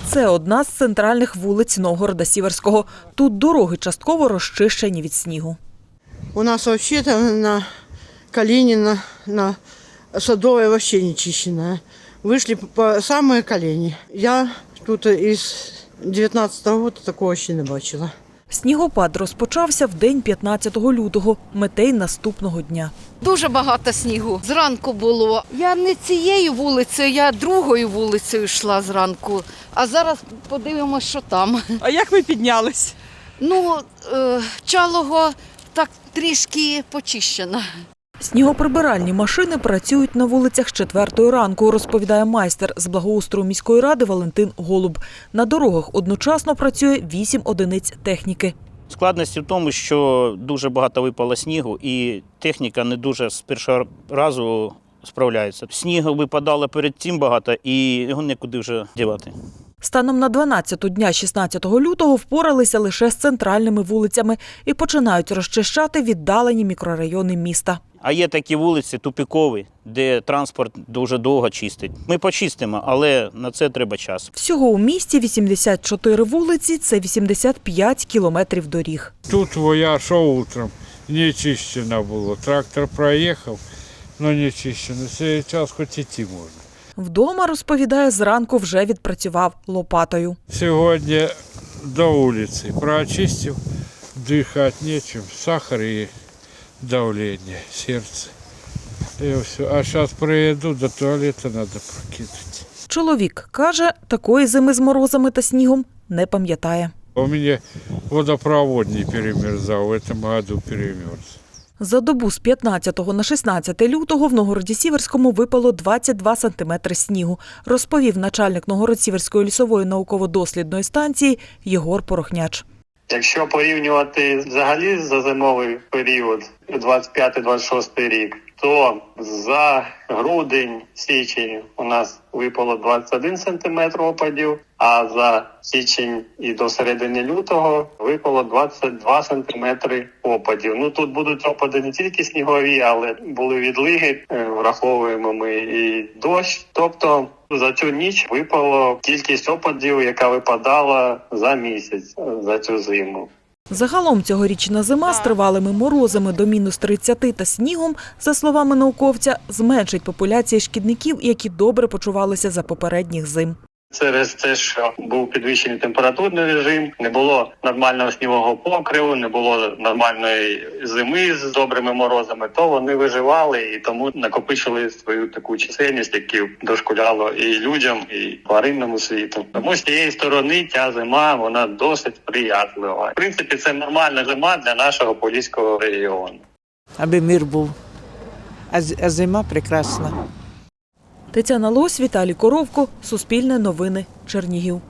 Це одна з центральних вулиць Новгорода-Сіверського. Тут дороги частково розчищені від снігу. У нас взагалі на Калинина, на Садовой вообще не чищена. Вышли по самые колени. Я тут із 19-го року такого ще не бачила. Снігопад розпочався в день 15 лютого, метей наступного дня. Дуже багато снігу. Зранку було. Я не цією вулицею, я другою вулицею йшла зранку. А зараз подивимося, що там. А як ви піднялись? Чалого так трішки почищено. Снігоприбиральні машини працюють на вулицях з 4 ранку, розповідає майстер з благоустрою міської ради Валентин Голуб. На дорогах одночасно працює 8 одиниць техніки. Складності в тому, що дуже багато випало снігу і техніка не дуже з першого разу справляється. Снігу випадало перед цим багато і його нікуди вже дівати. Станом на 12-ту дня 16 лютого впоралися лише з центральними вулицями і починають розчищати віддалені мікрорайони міста. А є такі вулиці тупікові, де транспорт дуже довго чистить. Ми почистимо, але на це треба час. Всього у місті 84 вулиці – це 85 кілометрів доріг. Тут я йшов утром, не чищено було. Трактор проїхав, але не чищено. Зараз хоч іти можна. Вдома, розповідає, зранку вже відпрацював лопатою. Сьогодні до вулиці прочистив, дихати нічим, сахар і давлення, серце. І все. А зараз приїду, до туалету треба прокидати. Чоловік каже, такої зими з морозами та снігом не пам'ятає. У мене водопровод не перемерзав, в цьому году перемерз. За добу з 15 на 16 лютого в Новгороді-Сіверському випало 22 сантиметри снігу, розповів начальник Новгород-Сівської лісової науково-дослідної станції Єгор Порохняч. Якщо порівнювати взагалі за зимовий період, 25-26 рік, то за грудень-січень у нас випало 21 сантиметр опадів, а за січень і до середини лютого випало 22 сантиметри опадів. Тут будуть опади не тільки снігові, але були відлиги, враховуємо ми і дощ. Тобто за цю ніч випало кількість опадів, яка випадала за місяць, за цю зиму. Загалом цьогорічна зима з тривалими морозами до мінус 30 та снігом, за словами науковця, зменшить популяції шкідників, які добре почувалися за попередніх зим. Через те, що був підвищений температурний режим, не було нормального снігового покриву, не було нормальної зими з добрими морозами, то вони виживали і тому накопичили свою таку чисельність, яка дошкуляло і людям, і тваринному світу. Тому з цієї сторони ця зима, вона досить сприятлива. В принципі, це нормальна зима для нашого Поліського регіону. Аби мир був. А зима прекрасна. Тетяна Лось, Віталій Коровко, Суспільне новини, Чернігів.